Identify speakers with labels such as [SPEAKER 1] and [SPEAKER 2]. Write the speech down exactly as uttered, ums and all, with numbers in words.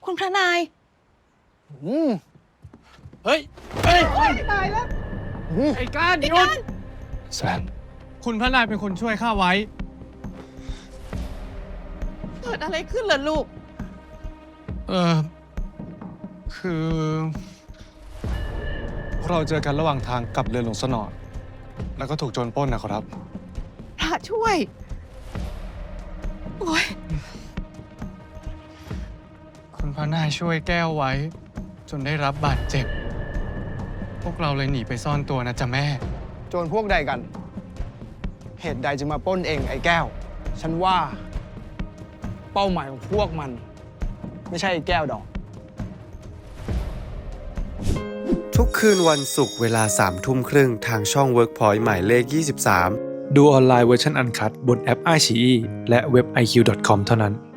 [SPEAKER 1] คุณพระนาย
[SPEAKER 2] อืมเฮ้ยเฮ้ยตายแล้วไอ้ก้านหยุดแซนคุณพระนายเป็นคนช่วยข้าไว้
[SPEAKER 1] เกิดอะไรขึ้นล่ะลูก
[SPEAKER 2] เออคือเราเจอกันระหว่างทางกลับเรือหลวงสนอแล้วก็ถูกโจรปล้นนะครับ
[SPEAKER 1] พระช่วยโอ้ย
[SPEAKER 2] คุณพระนายช่วยแก้วไว้จนได้รับบาดเจ็บพวกเราเลยหนีไปซ่อนตัวนะจ๊ะแม่
[SPEAKER 3] โจรพวกใดกัน เหตุใดจึงมาปล้นเองไอ้แก้ว ฉันว่าเป้าหมายของพวกมัน ไม่ใช่ไอ้แก้วดอก
[SPEAKER 4] ทุกคืนวันศุกร์เวลาสามทุ่มครึ่งทางช่อง Workpoint หมายเลข ยี่สิบสาม ดูออนไลน์เวอร์ชันอันคัตบนแอป ไอ ซี อี และเว็บ ไอ คิว ดอท คอม เท่านั้น